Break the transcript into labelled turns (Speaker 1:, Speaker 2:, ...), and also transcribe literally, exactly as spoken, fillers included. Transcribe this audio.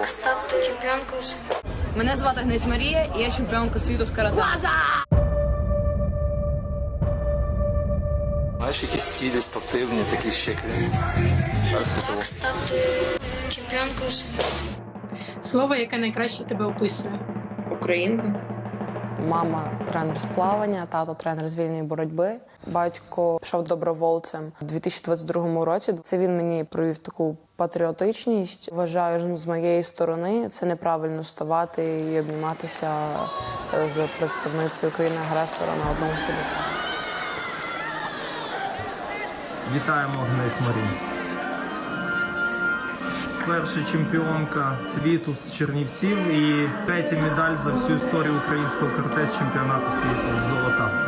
Speaker 1: Як стати чемпіонкою світу?
Speaker 2: Мене звати Гнесь Марія, і я чемпіонка світу з карате.
Speaker 3: Маєш якісь цілі спортивні, такі ще крім?
Speaker 1: Як стати чемпіонкою світу?
Speaker 4: Слово, яке найкраще тебе описує.
Speaker 2: Українка.
Speaker 5: Мама тренер з плавання, тато тренер з вільної боротьби. Батько пішов добровольцем у дві тисячі двадцять другому році. Це він мені провів таку патріотичність. Вважаю, з моєї сторони це неправильно ставати і обніматися з представницею країни-агресора на одному п'єдесталі.
Speaker 6: Вітаємо Гнесь Марію. Перша чемпіонка світу з Чернівців і третя медаль за всю історію українського карате з чемпіонату світу. Золота.